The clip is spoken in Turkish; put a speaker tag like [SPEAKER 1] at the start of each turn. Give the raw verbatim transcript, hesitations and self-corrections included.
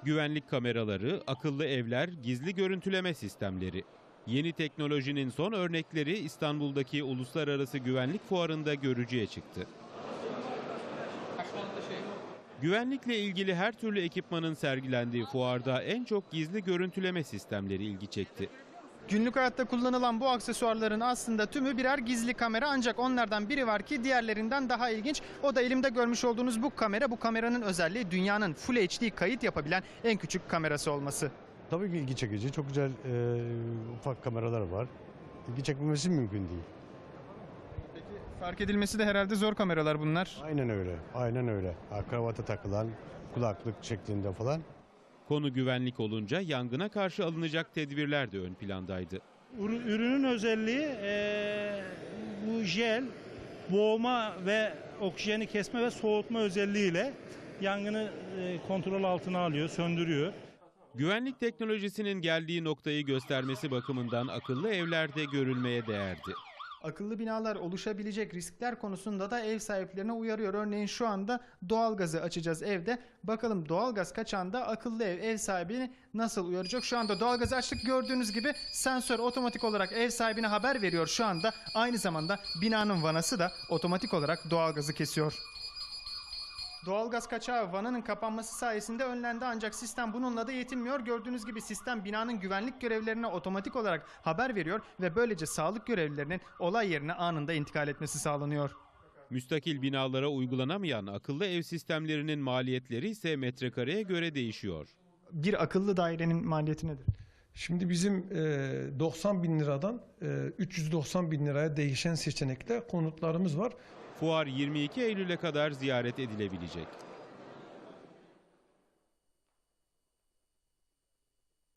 [SPEAKER 1] Güvenlik kameraları, akıllı evler, gizli görüntüleme sistemleri. Yeni teknolojinin son örnekleri İstanbul'daki Uluslararası Güvenlik Fuarı'nda görücüye çıktı. Güvenlikle ilgili her türlü ekipmanın sergilendiği fuarda en çok gizli görüntüleme sistemleri ilgi çekti.
[SPEAKER 2] Günlük hayatta kullanılan bu aksesuarların aslında tümü birer gizli kamera, ancak onlardan biri var ki diğerlerinden daha ilginç. O da elimde görmüş olduğunuz bu kamera. Bu kameranın özelliği dünyanın Full H D kayıt yapabilen en küçük kamerası olması.
[SPEAKER 3] Tabii ki ilgi çekici. Çok güzel e, ufak kameralar var. İlgi çekmemesi mümkün değil.
[SPEAKER 2] Peki fark edilmesi de herhalde zor kameralar bunlar.
[SPEAKER 3] Aynen öyle. Aynen öyle. Ha, kravata takılan, kulaklık şeklinde falan.
[SPEAKER 1] Konu güvenlik olunca yangına karşı alınacak tedbirler de ön plandaydı.
[SPEAKER 4] Ürünün özelliği e, bu jel boğma ve oksijeni kesme ve soğutma özelliğiyle yangını e, kontrol altına alıyor, söndürüyor.
[SPEAKER 1] Güvenlik teknolojisinin geldiği noktayı göstermesi bakımından akıllı evlerde görülmeye değerdi.
[SPEAKER 2] Akıllı binalar oluşabilecek riskler konusunda da ev sahiplerine uyarıyor. Örneğin şu anda doğalgazı açacağız evde. Bakalım doğalgaz kaçağında akıllı ev ev sahibini nasıl uyaracak? Şu anda doğalgazı açtık, gördüğünüz gibi sensör otomatik olarak ev sahibine haber veriyor şu anda. Aynı zamanda binanın vanası da otomatik olarak doğalgazı kesiyor. Doğalgaz kaçağı vananın kapanması sayesinde önlendi, ancak sistem bununla da yetinmiyor. Gördüğünüz gibi sistem binanın güvenlik görevlilerine otomatik olarak haber veriyor ve böylece sağlık görevlilerinin olay yerine anında intikal etmesi sağlanıyor.
[SPEAKER 1] Müstakil binalara uygulanamayan akıllı ev sistemlerinin maliyetleri ise metrekareye göre değişiyor.
[SPEAKER 2] Bir akıllı dairenin maliyeti nedir?
[SPEAKER 5] Şimdi bizim doksan bin liradan üç yüz doksan bin liraya değişen seçenekte konutlarımız var.
[SPEAKER 1] Fuar yirmi iki Eylül'e kadar ziyaret edilebilecek.